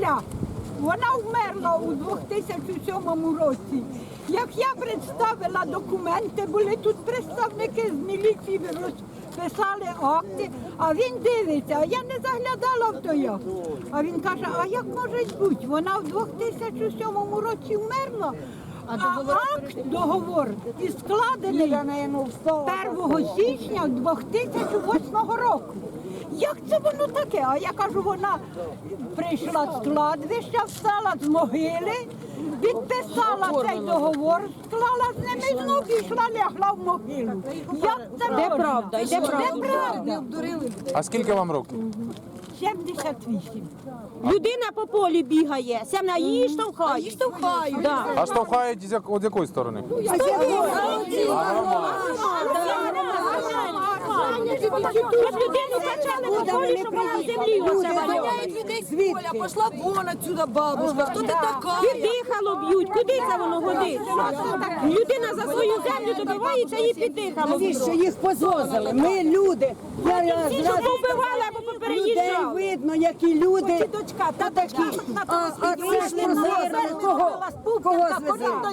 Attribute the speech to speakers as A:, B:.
A: сестра. Вона вмерла у 2007 році. Як я представила документи, були тут представники з міліції, розписали акти, а він дивиться, а я не заглядала в той акт. А він каже, а як може бути? Вона в 2007 році вмерла, а договор і складений 1 січня 2008 року. Як це воно таке? А я кажу, вона прийшла з кладовища, встала з могили, підписала цей договор, склала з ними і знову пішла, лягла в могилу. Як це
B: Де правда? Де правда?
A: Де правда?
C: А скільки вам років?
A: 78.
B: Людина по полі бігає, це на її штовхають.
D: Її штовхають.
B: Да.
C: А штовхають з якої сторони?
B: От людину качали по полі, щоб вона в землі оце валяла.
D: Гоняють людей з поля, пошла вон отсюда бабушка, хто ти така?
B: Піддихало б'ють, куди це воно годиться? Людина за свою землю добивається і піддихало б'ють.
E: Навіщо їх позвозили? Ми люди. Я
B: Ті, що
E: зразу
B: повбивали або
E: людей
B: попереїжджали.
E: видно, які люди. А це ж позвозили. Кого звезли?